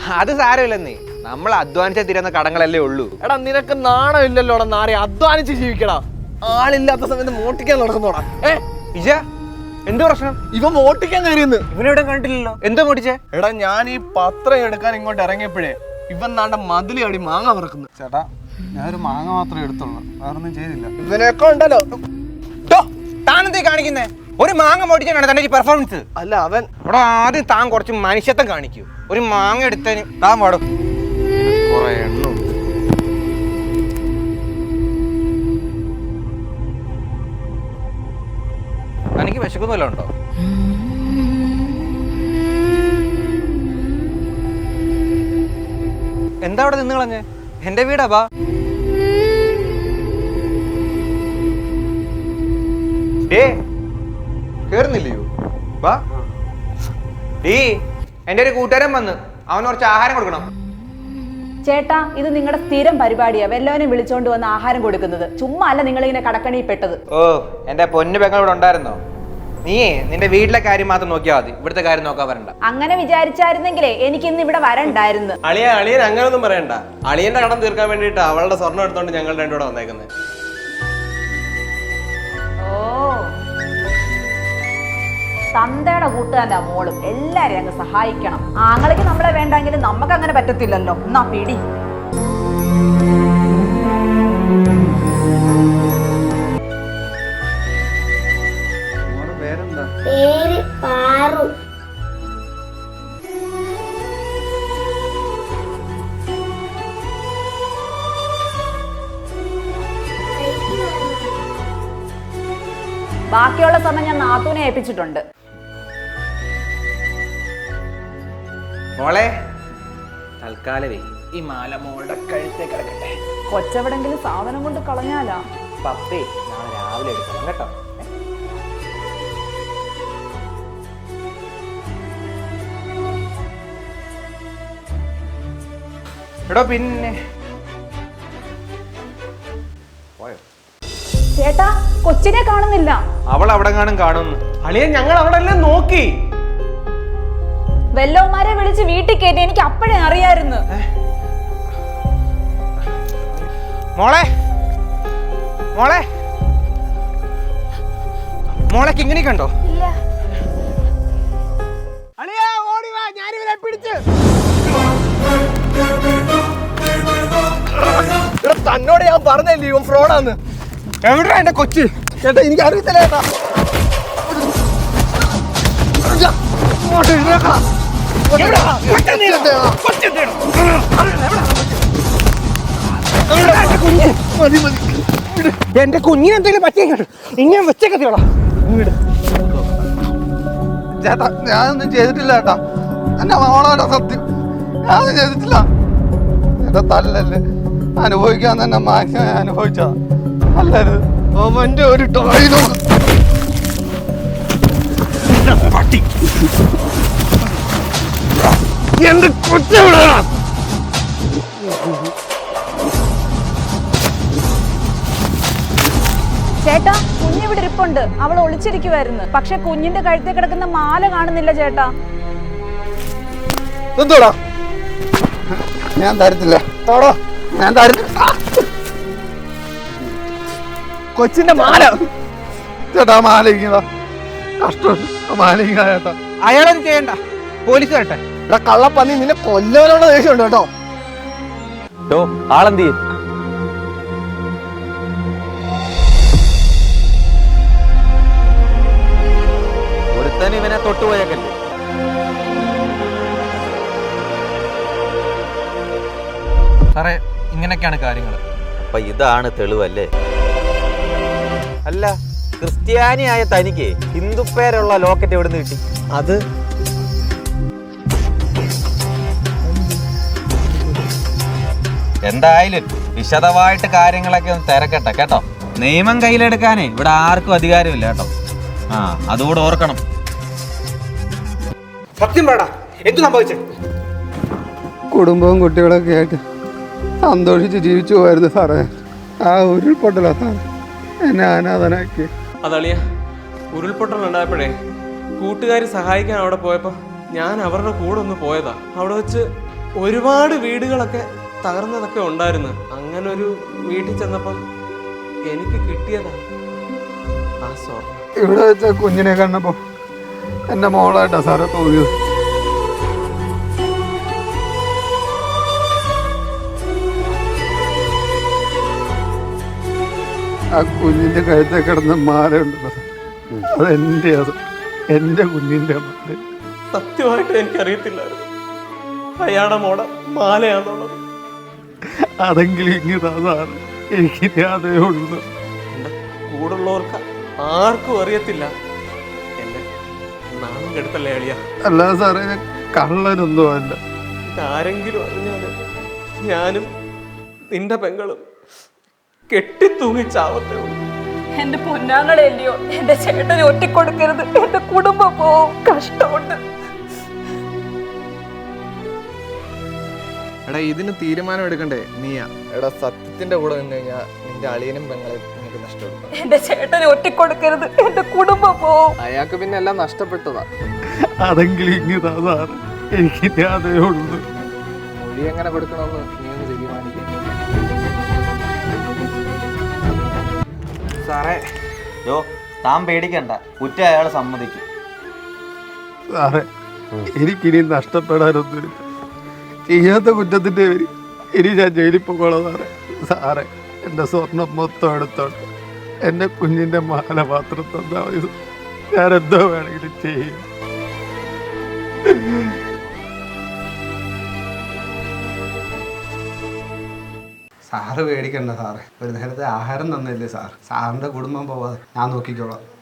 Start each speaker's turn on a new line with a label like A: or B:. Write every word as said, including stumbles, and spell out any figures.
A: അത് സാരമില്ലെന്നേ, നമ്മൾ അധ്വാനിച്ച തീരുന്ന കടങ്ങളല്ലേ ഉള്ളൂ.
B: എടാ നിനക്ക് നാണം ഇല്ലല്ലോടാ നാരെ, അധ്വാനിച്ച് ജീവിക്കടാ. ആളില്ലാത്ത സമയത്ത് മോട്ടിക്കാൻ നടക്കുന്നോടാ. ഏ
A: ഇജ എന്ത് പ്രശ്നം?
B: ഇവൻ മോട്ടിക്കാൻ കയറിയെന്ന്.
A: ഇവനെവിടെ കണ്ടില്ലല്ലോ. എന്തോ മോട്ടിച്ചേ?
B: എടാ ഞാൻ ഈ പത്രം എടുക്കാൻ ഇങ്ങോട്ട് ഇറങ്ങിയപ്പോഴേ ഇവൻ നാണ്ട മതിലി അടി മാങ്ങ പറക്കുന്നു.
C: ചേട്ടാ ഞാനൊരു മാങ്ങ മാത്രമേ എടുത്തുള്ളൂ, വേറൊന്നും ചെയ്തില്ല.
B: ഇവനൊക്കെ ഉണ്ടല്ലോ.
A: താനെന്തേ കാണിക്കുന്നേ? ഒരു മാങ്ങ മോട്ടിച്ചാണ് തന്റെ പെർഫോമൻസ്.
B: അല്ല അവൻ
A: ഇവിടെ ആദ്യം താൻ കുറച്ച് മനുഷ്യത്വം കാണിക്കൂ. ഒരു മാങ്ങ എടുത്തതിന് താൻ പാടും കുറെ എണ്ണും. തനിക്ക് വിശക്കുന്നല്ലോ ഉണ്ടോ? എന്താ അവിടെ നിന്ന് കളഞ്ഞേ? എന്റെ വീടാ. ബാ ഏ കേറുന്നില്ലയോ? വാ. ഈ എന്റെ ഒരു കൂട്ടുകാരൻ വന്ന്, അവന് കുറച്ച് ആഹാരം കൊടുക്കണം.
D: ചേട്ടാ ഇത് നിങ്ങളുടെ സ്ഥിരം പരിപാടിയാ, വല്ലവനും വിളിച്ചോണ്ട് വന്ന് ആഹാരം കൊടുക്കുന്നത്. ചുമ്മാ അല്ല നിങ്ങളിങ്ങനെ കടക്കണിയിൽ പെട്ടത്.
A: ഓ എന്റെ പൊന്നു പെങ്ങൾ ഇവിടെ ഉണ്ടായിരുന്നോ? നീയേ നിന്റെ വീട്ടിലെ കാര്യം മാത്രം നോക്കിയാൽ മതി, ഇവിടുത്തെ കാര്യം നോക്കാൻ വരണ്ട.
D: അങ്ങനെ വിചാരിച്ചായിരുന്നെങ്കിലേ എനിക്ക് ഇന്ന് ഇവിടെ വരണ്ടായിരുന്നു.
B: അളിയ അളിയൻ അങ്ങനൊന്നും പറയണ്ട. അളിയന്റെ കടം തീർക്കാൻ വേണ്ടിട്ട് അവളുടെ സ്വർണ്ണം എടുത്തോണ്ട് ഞങ്ങൾ രണ്ടുകൂടെ വന്നേക്കുന്നത്.
D: ഓ തന്തയുടെ കൂട്ടുകാരൻ്റെ മോളും എല്ലാരെയും അങ്ങ് സഹായിക്കണം. ആങ്ങളയ്ക്ക് നമ്മളെ വേണ്ടെങ്കിലും നമുക്ക് അങ്ങനെ പറ്റത്തില്ലല്ലോ. എന്നാ പിടി.
E: പേര് പാറു.
D: ബാക്കിയുള്ള സമയം ഞാൻ നാത്തൂനെ ഏൽപ്പിച്ചിട്ടുണ്ട്.
A: മോളെ തൽക്കാലവേ ഈ മാല മോളുടെ കഴുത്തേ കിടക്കട്ടെ.
D: കൊച്ചെവിടെങ്കിലും സാധനം കൊണ്ട് കളഞ്ഞാലാ.
A: പപ്പേ നാളെ രാവിലെ എടുക്കണം കേട്ടോ. എടോ പിന്നെ പോയോ?
D: ചേട്ടാ കൊച്ചിനെ കാണുന്നില്ല.
A: അവൾ അവിടെ കാണും കാണുന്നു.
B: അളിയൻ ഞങ്ങൾ അവിടെ എല്ലാം നോക്കി.
D: വെല്ലവന്മാരെ വിളിച്ച് വീട്ടിൽ കയറ്റി. എനിക്ക് അപ്പോഴേ അറിയായിരുന്നു.
A: മോളെ മോളെ മോളെ കിങ്ങിണി കണ്ടോ?
B: തന്നോട് ഞാൻ പറഞ്ഞല്ലേ ഇവൻ ഫ്രോഡാന്ന്.
A: എവിടെയാ എന്റെ കൊച്ച്?
B: ചേട്ടാ എനിക്ക് അറിയത്തില്ല ചേട്ടാ.
A: എന്റെ കുഞ്ഞിനെ എന്തെങ്കിലും പറ്റിയ ഇങ്ങനെ വെച്ചേക്കത്തിയോളാ.
C: ചേട്ടാ ഞാനൊന്നും ചെയ്തിട്ടില്ല ചേട്ടാ, എന്നെ മോളാണ് സത്യം, ഞാനൊന്നും ചെയ്തിട്ടില്ല. ചേട്ടാ തല്ലല്ലേ, അനുഭവിക്കാൻ തന്നെ മാന്യമായി അനുഭവിച്ചാ അല്ലരുത്.
B: അവന്റെ ഒരു ടോയിലോ എന്റെ കൊച്ചെവിടെ?
D: ചേട്ടാ കുഞ്ഞിവിടെ ഇരിപ്പുണ്ട്. അവൾ ഒളിച്ചിരിക്കുവായിരുന്നു. പക്ഷെ കുഞ്ഞിന്റെ കഴുത്തിൽ കിടക്കുന്ന മാല കാണുന്നില്ല ചേട്ടാ.
B: എന്തോടാ?
C: ഞാൻ തരത്തില്ല, ഞാൻ തരത്തില്ല.
B: കൊച്ചിന്റെ മാല
C: ചേട്ടാ മാലിക്കുന്നതാ കഷ്ടം, മാലിക്ക ചേട്ടാ.
A: അയാളൊന്നും ചെയ്യണ്ട, പോലീസ് വരട്ടെ.
B: ഇവിടെ കള്ളപ്പന്നി നിന്നെ കൊല്ലവനുള്ള ദേഷ്യമുണ്ട് കേട്ടോ.
A: ആളെന്തി? ഒരുത്തന് ഇവനെ തൊട്ടുപോയേക്കല്ലേ. സാറേ ഇങ്ങനെയൊക്കെയാണ് കാര്യങ്ങൾ.
F: അപ്പൊ ഇതാണ് തെളിവല്ലേ? അല്ല ക്രിസ്ത്യാനിയായ തനിക്ക് ഹിന്ദു പേരുള്ള ലോക്കറ്റ് എവിടെ നിന്ന് കിട്ടി?
B: അത്
F: എന്തായാലും വിശദമായിട്ട് കാര്യങ്ങളൊക്കെ ഒന്ന് തിരക്കട്ടെ കേട്ടോ. നിയമം കയ്യിലെടുക്കാനേ ഇവിടെ ആർക്കും അധികാരമില്ല കേട്ടോ. ആ അതുകൂടെ ഓർക്കണം.
A: സത്യം പറടാ, എന്തു സംഭവിച്ചേ?
C: കുടുംബവും കുട്ടികളൊക്കെ ആയിട്ട് സന്തോഷിച്ച് ജീവിച്ചു പോയിരുന്നു സാറേ. ആ ഉരുൾപൊട്ടലാ സാറേ എന്നെ അനാഥനാക്കി.
G: അതളിയ ഉരുൾപൊട്ടൽ ഉണ്ടായപ്പോഴേ കൂട്ടുകാർ സഹായിക്കാൻ അവിടെ പോയപ്പോൾ ഞാൻ അവരുടെ കൂടെ ഒന്ന് പോയതാ. അവിടെ വെച്ച് ഒരുപാട് വീടുകളൊക്കെ തകർന്നതൊക്കെ ഉണ്ടായിരുന്നു. അങ്ങനെ ഒരു വീട്ടിൽ ചെന്നപ്പം എനിക്ക് കിട്ടിയതാണ് ആ സ്വർണം.
C: ഇവിടെ വെച്ച കുഞ്ഞിനെ കണ്ടപ്പോ എന്റെ മോളായിട്ടാ സാറേ തോന്നിയത്. ആ കുഞ്ഞിന്റെ കഴുത്തെ കിടന്ന മാല ഉണ്ടല്ലോ, അത് എന്റെ അത് എന്റെ കുഞ്ഞിന്റെ മാല.
G: സത്യമായിട്ട് എനിക്കറിയത്തില്ലായിരുന്നു അയാളുടെ മോടെ മാലയാണെന്നുള്ളത്.
C: അതെങ്കിലും ഇങ്ങതാ സാറ്, എനിക്ക് അതേ ഉള്ളൂ.
G: എൻ്റെ കൂടുള്ളവർക്ക് ആർക്കും അറിയത്തില്ല. എന്നെ നാണം കെടുത്തല്ലേ അളിയ.
C: അല്ലാതെ സാറേ ഞാൻ കള്ളനൊന്നും അല്ല.
G: ഇതാരെങ്കിലും അറിഞ്ഞാല് ഞാനും നിന്റെ പെങ്ങളും കെട്ടിത്തൂങ്ങി ചാവത്തേ ഉള്ളൂ.
D: എന്റെ പൊന്നാങ്ങളെല്ലയോ, എന്റെ ചേട്ടനെ ഒറ്റിക്കൊടുക്കരുത്. എന്റെ കുടുംബം പോവും, കഷ്ടമുണ്ട്.
B: എടാ ഇതിന് തീരുമാനം എടുക്കണ്ടേ നീയാ. എടാ സത്യത്തിന്റെ കൂടെ നിന്ന് കഴിഞ്ഞാൽ നിന്റെ അളിയനും പെങ്ങളെ നിനക്ക് നഷ്ടപ്പെടും.
D: എന്റെ ചേട്ടനെ ഒറ്റിക്കൊടുക്കരുത്. എന്റെ കുടുംബം പോവും.
B: അയാൾക്ക് പിന്നെ എല്ലാം നഷ്ടപ്പെട്ടതാ.
C: അതെങ്കിലും ഇങ്ങതാ സാറ്, എനിക്ക് അതേ ഉള്ളൂ.
B: മൊഴി എങ്ങനെ കൊടുക്കണമെന്ന് നീ ഒന്ന് തീരുമാനിക്കും.
F: സാറേ യോ താൻ പേടിക്കണ്ട, കുറ്റം അയാൾ സമ്മതിക്കും.
C: സാറേ എനിക്കിനി നഷ്ടപ്പെടാനൊന്നുമില്ല. ചെയ്യാത്ത കുറ്റത്തിന്റെ പേര് ഇനി ഞാൻ ജയിലിൽ പോകോളാം സാറേ. സാറേ എൻ്റെ സ്വർണം മൊത്തം എടുത്തോണ്ട് എൻ്റെ കുഞ്ഞിൻ്റെ മാല മാത്രം തന്നാൽ മതി. ഞാൻ എന്തോ വേണമെങ്കിലും ചെയ്യും.
H: സാറ് പേടിക്കണ്ട സാറേ, ഒരു നേരത്തെ ആഹാരം തന്നില്ലേ സാർ. സാറിൻ്റെ കുടുംബം പോവാതെ ഞാൻ നോക്കിക്കോളാം.